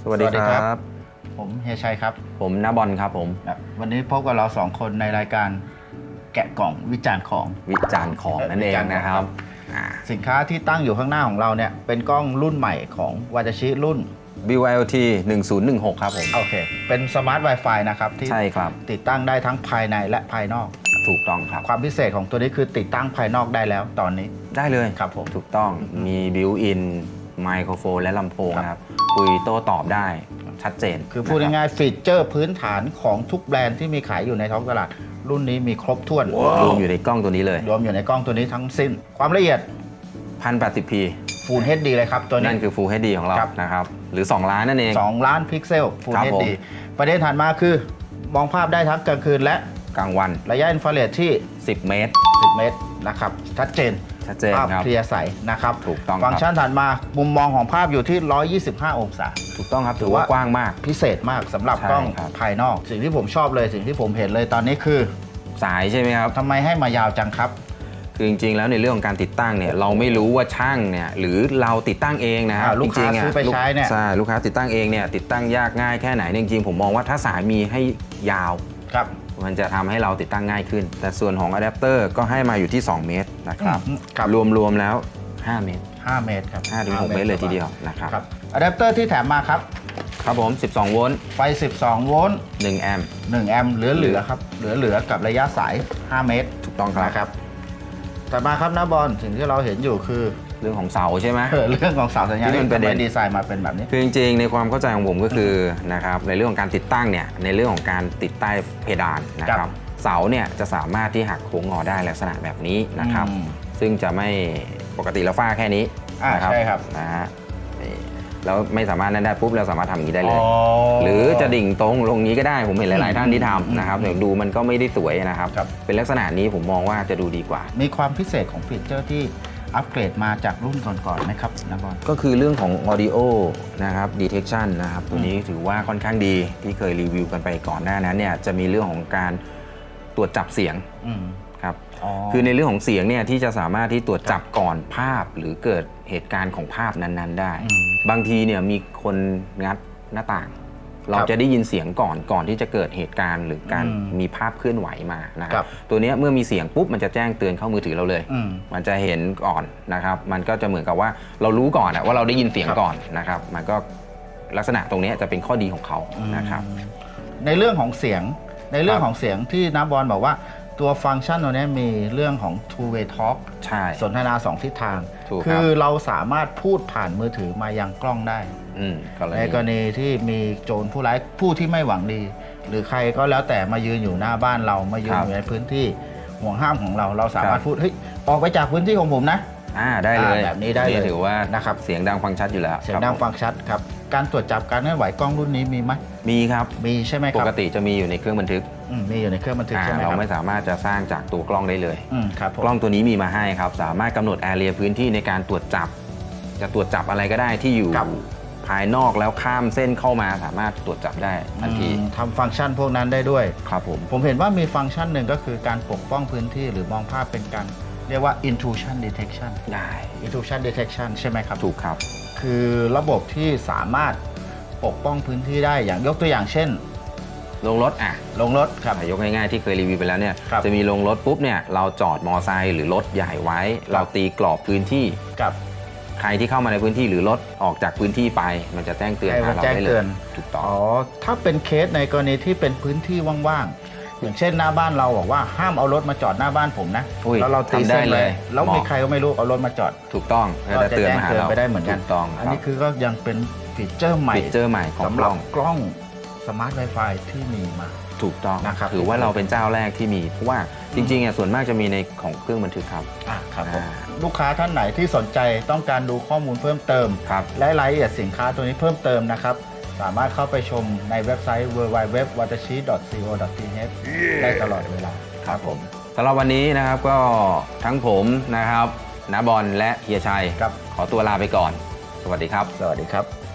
สวัสดีครับผมเฮียชัยครับผมณบอลครับผมวันนี้พบกับเรา2คนในรายการแกะกล่องวิจารณ์ของนั่นเองนะครับสินค้าที่ตั้งอยู่ข้างหน้าของเราเนี่ยเป็นกล้องรุ่นใหม่ของวาตาชิรุ่น BYOT 1016ครับผมโอเคเป็นสมาร์ท Wi-Fi นะครับที่ใช่ครับติดตั้งได้ทั้งภายในและภายนอกถูกต้องครับความพิเศษของตัวนี้คือติดตั้งภายนอกได้แล้วตอนนี้ได้เลยครับผมถูกต้องมีบิวอินไมโครโฟนและลำโพงครับคุยโต้ตอบได้ชัดเจนคือพูดง่ายๆฟีเจอร์พื้นฐานของทุกแบรนด์ที่มีขายอยู่ในท้องตลาดรุ่นนี้มีครบถ้วนรวมอยู่ในกล้องตัวนี้เลยรวมอยู่ในกล้องตัวนี้ทั้งสิ้นความละเอียด 1080p Full HD เลยครับตัวนี้นั่นคือ Full HD ของเรานะครับหรือ2ล้านนั่นเอง 2ล้านพิกเซล Full HD ประเด็นถัดมาคือมองภาพได้ทั้งกลางคืนและกลางวันระยะอินฟราเรดที่ 10 เมตรนะครับชัดเจนภาพเคลียร์ใสนะครับถูกต้องฟังก์ชันถัดมามุมมองของภาพอยู่ที่125องศาถูกต้องครับถือว่ากว้างมากพิเศษมากสำหรับกล้องภายนอกสิ่งที่ผมชอบเลยสิ่งที่ผมเห็นเลยตอนนี้คือสายใช่ไหมครับทำไมให้มายาวจังครับคือจริงๆแล้วในเรื่องของการติดตั้งเนี่ยเราไม่รู้ว่าช่างเนี่ยหรือเราติดตั้งเองนะลูกค้าซื้อไปใช้เนี่ยใช่ลูกค้าติดตั้งเองเนี่ยติดตั้งยากง่ายแค่ไหนจริงๆผมมองว่าถ้าสายมีให้ยาวครับมันจะทำให้เราติดตั้งง่ายขึ้นแต่ส่วนของอะแดปเตอร์ก็ให้มาอยู่ที่2 เมตรนะครับรวมแล้ว5 เมตร 5 เมตรครับ 5-6 เมตรเลยทีเดียวนะครับอะแดปเตอร์ที่แถมมาครับครับผม12 โวลต์ไฟ12 โวลต์ 1 แอมป์ 1 แอมป์เหลือครับเหลือกับระยะสาย5 เมตรถูกต้องครับต่อมาครับน้าบอลสิ่งที่เราเห็นอยู่คือเรื่องของเสาใช่ไหมเรื่องของเสาสัญญาณที่เป็นดีไซน์มาเป็นแบบนี้คือจริงๆในความเข้าใจของผมก็คือนะครับในเรื่องของการติดตั้งเนี่ยในเรื่องของการติดใต้เพดานนะครับเสาเนี่ยจะสามารถที่หักโค้งงอได้ลักษณะแบบนี้นะครับซึ่งจะไม่ปกติเราฝ้าแค่นี้นะครับใช่ครับนะฮะแล้วไม่สามารถนั่นได้ปุ๊บเราสามารถทำอย่างนี้ได้เลยหรือจะดิ่งตรงลงนี้ก็ได้ผมเห็นหลายๆท่านที่ทำนะครับเดี๋ยวดูมันก็ไม่ได้สวยนะครับเป็นลักษณะนี้ผมมองว่าจะดูดีกว่ามีความพิเศษของฟีเจอร์ที่อัปเกรดมาจากรุ่นก่อนๆไหมครับนะบอลก็คือเรื่องของ audio นะครับ detection นะครับตัวนี้ถือว่าค่อนข้างดีที่เคยรีวิวกันไปก่อนหน้านั้นเนี่ยจะมีเรื่องของการตรวจจับเสียงครับคือในเรื่องของเสียงเนี่ยที่จะสามารถที่ตรวจจับก่อนภาพหรือเกิดเหตุการณ์ของภาพนั้นๆได้บางทีเนี่ยมีคนงัดหน้าต่างเราจะได้ยินเสียงก่อนที่จะเกิดเหตุการณ์หรือการมีภาพเคลื่อนไหวมานะครับตัวนี้เมื่อมีเสียงปุ๊บมันจะแจ้งเตือนเข้ามือถือเราเลยมันจะเห็นก่อนนะครับมันก็จะเหมือนกับว่าเรารู้ก่อนว่าเราได้ยินเสียงก่อนนะครับมันก็ลักษณะตรงนี้จะเป็นข้อดีของเขานะครับในเรื่องของเสียงที่น้าบอลบอกว่าตัวฟังก์ชันตัวนี้มีเรื่องของ two way talk สนทนา2 ทิศทางคือเราสามารถพูดผ่านมือถือมายังกล้องได้ในกรณีที่มีโจรผู้ร้ายผู้ที่ไม่หวังดีหรือใครก็แล้วแต่มายืนอยู่หน้าบ้านเรามายืนอยู่ในพื้นที่ห่วงห้ามของเราสามารถพูดเฮ้ยออกไปจากพื้นที่ของผมนะได้เลยแบบนี้ได้เลยถือว่านะครับเสียงดังฟังชัดอยู่แล้วเสียงดังฟังชัดครับการตรวจจับการเคลื่อนไหวกล้องรุ่นนี้มีไหมมีครับมีใช่ไหมครับปกติจะมีอยู่ในเครื่องบันทึกมีอยู่ในเครื่องบันทึกใช่ไหมครับเราไม่สามารถจะสร้างจากตัวกล้องได้เลยครับกล้องตัวนี้มีมาให้ครับสามารถกำหนดแอเรียพื้นที่ในการตรวจจับจะตรวจจับอะไรก็ได้ที่อยู่ภายนอกแล้วข้ามเส้นเข้ามาสามารถตรวจจับได้ทันทีทำฟังก์ชันพวกนั้นได้ด้วยครับผมเห็นว่ามีฟังก์ชันหนึ่งก็คือการปกป้องพื้นที่หรือมองภาพเป็นการเรียกว่า intrusion detection ได้ intrusion detection ใช่ไหมครับถูกครับคือระบบที่สามารถปกป้องพื้นที่ได้อย่างยกตัวอย่างเช่นลงรถครับยกง่ายๆที่เคยรีวิวไปแล้วเนี่ยจะมีลงรถปุ๊บเนี่ยเราจอดมอไซค์หรือรถใหญ่ไว้เราตีกรอบพื้นที่กับใครที่เข้ามาในพื้นที่หรือรถออกจากพื้นที่ไปมันจะแจ้งเตือนเราได้เลยถูกต้องถ้าเป็นเคสในกรณีที่เป็นพื้นที่ว่างๆอย่างเช่นหน้าบ้านเราบอกว่าห้ามเอารถมาจอดหน้าบ้านผมนะแล้วเราตีเส้นเลยแล้วมีใครก็ไม่รู้เอารถมาจอดถูกต้องก็จะแจ้งเตือนไปได้เหมือนกันอันนี้คือก็ยังเป็นฟีเจอร์ใหม่ของสำหรับกล้องสมาร์ท Wi-Fi ที่มีมาถูกต้องนะครับถือว่าเราเป็นเจ้าแรกที่มีเพราะว่าจริงๆส่วนมากจะมีในของเครื่องบันทึกครับลูกค้าท่านไหนที่สนใจต้องการดูข้อมูลเพิ่มเติมและรายละเอียดสินค้าตัวนี้เพิ่มเติมนะครับสามารถเข้าไปชมในเว็บไซต์ www.watashi.co.th ได้ตลอดเวลาครับผมสำหรับวันนี้นะครับก็ทั้งผมนะครับณบอลและเฮียชัยขอตัวลาไปก่อนสวัสดีครับสวัสดีครับ